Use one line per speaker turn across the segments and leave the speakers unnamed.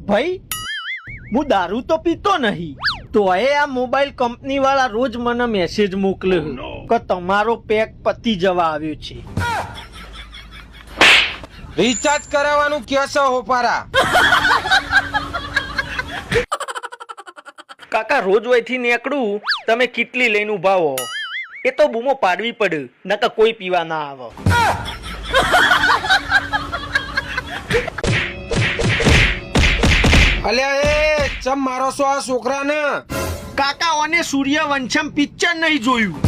ભાઈ હું દારૂ તો પીતો નહીં, તો આ મોબાઈલ કંપની વાળા રોજ મને મેસેજ મોકલે કે તમારો પેક પતી જવા આવ્યો છે.
રિચાર્જ કરાવવાનું કેસો હોપારા.
કાકા રોજ વયથી નીકળું, તમે કેટલી લઈને ઉભા હો? એ તો બૂમો પાડવી પડે, નકર કોઈ પીવા ના આવે.
અલ્યા એ ચમ મારો છો આ છોકરાને?
કાકા ઓને સૂર્યવંશમ પિક્ચર નહીં જોયું.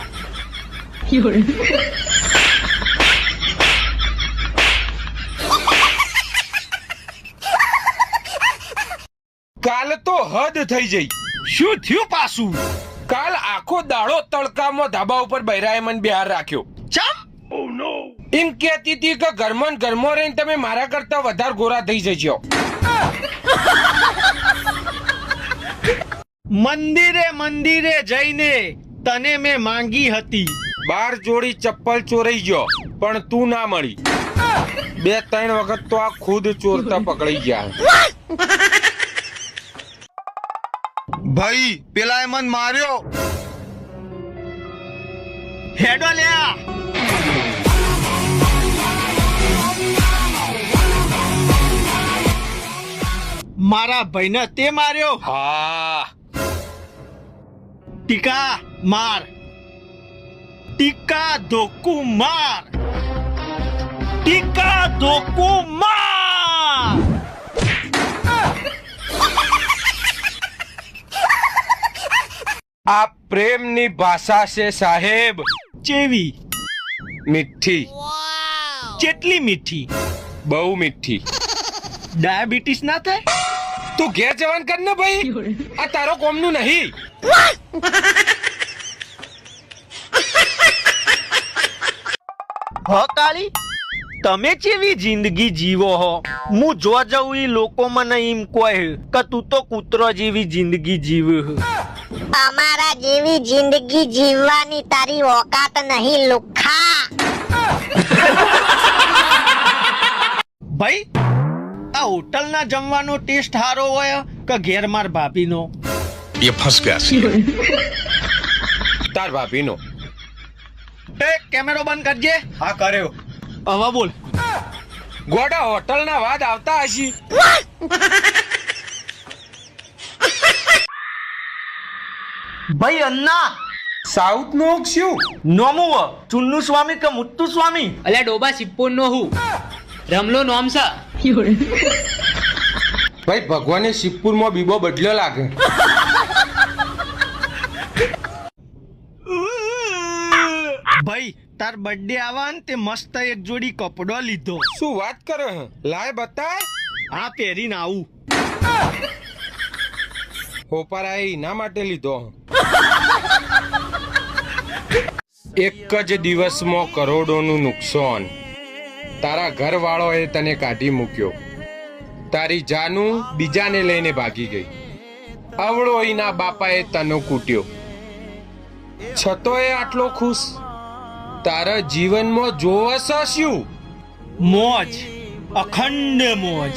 કાલ તો હદ થઈ જઈ.
શું થયું પાછું?
કાલ આખો દાડો તડકામાં ધાબા ઉપર બૈરાએ મને બિહાર રાખ્યો.
ચમ?
એમ કહેતી હતી કે ઘરમાં ને ઘરમાં રહીને તમે મારા કરતા વધારે ગોરા થઈ જજો.
મંદિરે જઈને તને મેં માંગી હતી.
12 જોડી ચપ્પલ ચોરાઈ ગયો પણ તું ના મળી. 2-3 વખત તો આ ખુદ ચોરતા પકડાઈ ગયા.
ભાઈ પેલા એ મન માર્યો.
હેડો લ્યા. મારા ભાઈને તે માર્યો.
હા
ટીકા માર, ટીકા ધોકુ માર, ટીકા ધોકુ માર.
આ પ્રેમની ભાષા છે સાહેબ.
ચેવી?
મીઠી.
કેટલી મીઠી?
બહુ મીઠી.
ડાયાબિટીસ ના થાય?
તું ઘેર જવાન કર ને ભાઈ, આ તારો કોમનું નહીં.
હ કાળી, તમે કેવી જિંદગી જીવો હો? હું જો જઉં ઈ લોકો મને એમ કહે કે તું તો કૂતરો જેવી જિંદગી જીવે.
અમારા જેવી જિંદગી જીવવાની તારી ઓકાત નહીં લુખા.
ભાઈ આ હોટલ ના જમવાનો ટેસ્ટ સારો હોય કે ઘેર માર ભાભીનો?
ये फंस गया.
તાર ભાભીનો.
એ કેમેરો બંધ કરજે.
હા કર્યો.
હવે બોલ.
ગોડા હોટલ ના વાદ આવતા હશી.
ભાઈ અન્ના
સાઉથ નો શું
નોમું ચુન્નુ સ્વામી કે મુત્તુ સ્વામી?
અલ્યા ડોબા સિપ્પો નો હું રમલો નોમ સા.
ભાઈ ભગવાને શિવપુર માં બીબો બદલ્યો લાગે.
ભાઈ તાર બર્થડે આવા ને તે મસ્ત એક જોડી કપડો લીધો.
શું વાત કરે હે? લાય બતાય.
આ પહેરીને આવું.
હોપારા એના માટે લીધો. એક જ દિવસમાં કરોડોનું નુકસાન. તારા ઘરવાળોએ તને કાઢી મૂક્યો. તારી જાનું બીજાને લઈને ભાગી ગઈ. અવળો એના બાપાએ તને કૂટ્યો. છતોય આટલો ખુશ. તારા જીવનમાં જોવસ શું?
મોજ, અખંડ મોજ.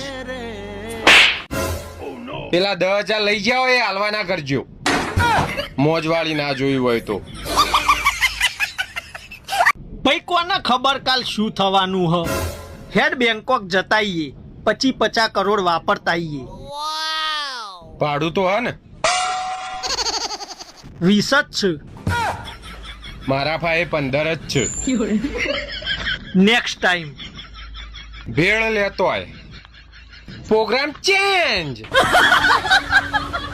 પેલા 10,000 લઈ જાઓ, એ હાલવા ના કરજો. મોજ વાળી ના જોઈ હોય તો.
ભાઈ કોને ખબર કાલ શું થવાનું હ? હેડ બેંકોક જતાઈએ, 50 કરોડ વાપરતાઈએ.
ભાડું તો હે ને?
20 જ છે.
મારા ભાઈ 15 જ છે.
નેક્સ્ટ ટાઈમ
ભેળ લેતો આય. Programme change.